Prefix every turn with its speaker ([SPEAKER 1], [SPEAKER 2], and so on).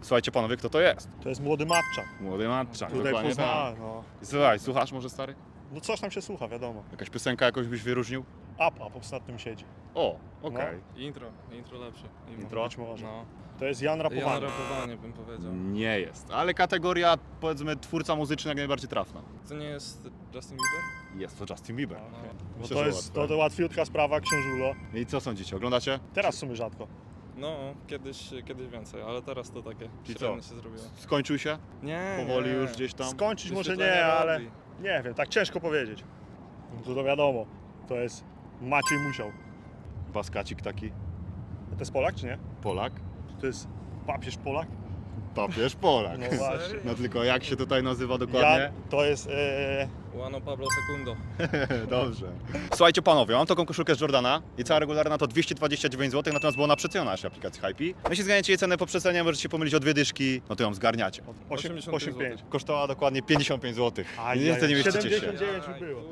[SPEAKER 1] Słuchajcie panowie, kto to jest?
[SPEAKER 2] To jest młody Matczak.
[SPEAKER 1] Młody Matczak,
[SPEAKER 2] Tutaj
[SPEAKER 1] dokładnie tak.
[SPEAKER 2] Poznań, no.
[SPEAKER 1] Słuchaj, słuchasz może stary?
[SPEAKER 2] No coś tam się słucha, wiadomo.
[SPEAKER 1] Jakaś piosenka jakoś byś wyróżnił?
[SPEAKER 2] Up ostatnim siedzi.
[SPEAKER 1] O, okej.
[SPEAKER 3] Intro lepsze.
[SPEAKER 1] Intro?
[SPEAKER 2] Być może.
[SPEAKER 3] No.
[SPEAKER 2] To jest Jan
[SPEAKER 3] Ja
[SPEAKER 2] Rapowany.
[SPEAKER 3] rapowanie bym powiedział.
[SPEAKER 1] Nie jest, ale kategoria powiedzmy twórca muzyczny jak najbardziej trafna.
[SPEAKER 3] To nie jest Justin Bieber?
[SPEAKER 1] Jest to Justin Bieber.
[SPEAKER 2] Okej. Bo
[SPEAKER 1] Myślę,
[SPEAKER 2] to
[SPEAKER 1] że
[SPEAKER 2] jest
[SPEAKER 1] łatwe.
[SPEAKER 2] to łatwiutka sprawa, książulo.
[SPEAKER 1] I co sądzicie, oglądacie?
[SPEAKER 2] Teraz w sumie rzadko.
[SPEAKER 3] No, kiedyś więcej, ale teraz to takie
[SPEAKER 1] Czyli
[SPEAKER 3] średnie
[SPEAKER 1] co?
[SPEAKER 3] się zrobiło.
[SPEAKER 1] Skończył się?
[SPEAKER 3] Nie,
[SPEAKER 1] Powoli
[SPEAKER 3] nie.
[SPEAKER 1] już gdzieś tam?
[SPEAKER 2] Skończyć może
[SPEAKER 3] Wyświetlenia
[SPEAKER 2] nie, ale
[SPEAKER 3] robi.
[SPEAKER 2] nie wiem, tak ciężko powiedzieć. No to wiadomo, to jest Maciej Musiał.
[SPEAKER 1] Baskacik taki,
[SPEAKER 2] To jest Polak czy nie?
[SPEAKER 1] Polak?
[SPEAKER 2] To jest papież Polak?
[SPEAKER 1] Papież Polak.
[SPEAKER 2] No właśnie.
[SPEAKER 1] No tylko jak się tutaj nazywa dokładnie?
[SPEAKER 2] To jest...
[SPEAKER 3] Juano Pablo Secundo.
[SPEAKER 1] Dobrze. Słuchajcie panowie, mam taką koszulkę z Jordana i cała regularna to 229 zł, natomiast była ona przeceniona naszej aplikacji Hypey. Jeśli zganiacie jej cenę po przecenie, możecie się pomylić o dwie dyszki, no to ją zgarniacie.
[SPEAKER 3] 85
[SPEAKER 2] 85.
[SPEAKER 1] Kosztowała dokładnie 55 zł.
[SPEAKER 2] Aj,
[SPEAKER 1] Niestety nie mieścicie się.
[SPEAKER 2] 79 już było.